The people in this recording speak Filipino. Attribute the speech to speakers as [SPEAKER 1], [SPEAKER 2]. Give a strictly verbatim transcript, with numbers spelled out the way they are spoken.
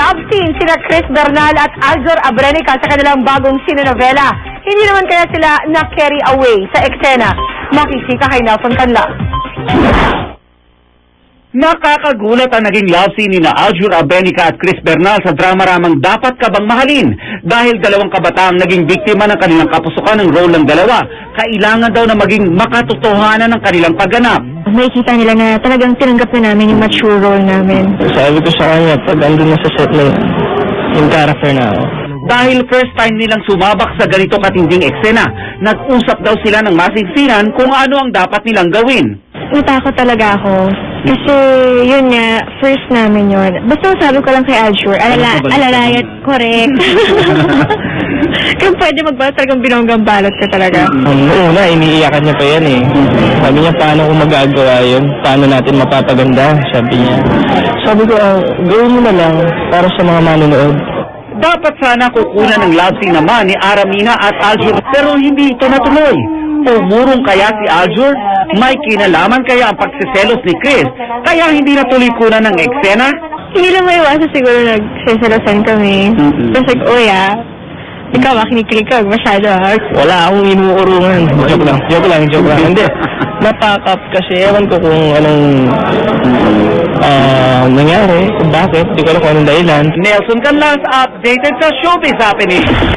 [SPEAKER 1] love scene sina Chris Bernal at Aljur Abrenica sa kanilang bagong sinonovela. Hindi naman kaya sila na-carry away sa eksena. Makisika kay Nelson Canla.
[SPEAKER 2] Nakakagulat ang naging love scene ni na Aljur Abrenica at Chris Bernal sa drama-ramang Dapat Ka Bang Mahalin dahil dalawang kabataang naging biktima ng kanilang kapusukan ng role ng dalawa. Kailangan daw na maging makatotohanan ng kanilang pagganap.
[SPEAKER 3] Makikita nila na talagang tinanggap na namin yung mature role namin.
[SPEAKER 4] Sabi ko sa kanya, pag andun na sa set na yun, yung character na ako.
[SPEAKER 2] Dahil first time nilang sumabak sa ganito katinding eksena, nag-usap daw sila ng masinsinan kung ano ang dapat nilang gawin.
[SPEAKER 3] Natakot talaga ako. Kasi yun nga, first namin yun. Basta sabi ko lang kay Aljur, alala, alalayat, correct. Kung pwede magbalas talagang binonggang balot ka talaga.
[SPEAKER 4] Um, una, iniiyakan niya pa yan eh. Sabi niya, paano kung magagawa yun? Paano natin mapapaganda? Sabi niya. Sabi ko, uh, gawin mo na lang para sa mga manonood.
[SPEAKER 2] Dapat sana kukunan ng love scene naman ni Aramina at Aljur pero hindi ito natuloy. Umurong kaya si Aljur? May kinalaman kaya ang pagsiselos ni Chris kaya hindi natuloy kunan ng eksena?
[SPEAKER 3] Hindi lang may iwasan siguro nagsisalasan kami.
[SPEAKER 2] Mm-hmm.
[SPEAKER 3] Tapos like, oh yeah, ikaw makinig ka, masyado ha.
[SPEAKER 4] Wala akong inuurungan. Joke lang, joke lang, joke lang. Hindi. Napakap kasi ewan ko kung anong uh, nangyari, kung bakit, di ko alam kung anong dahilan.
[SPEAKER 2] Nelson Canlas, updated sa Showbiz Happening.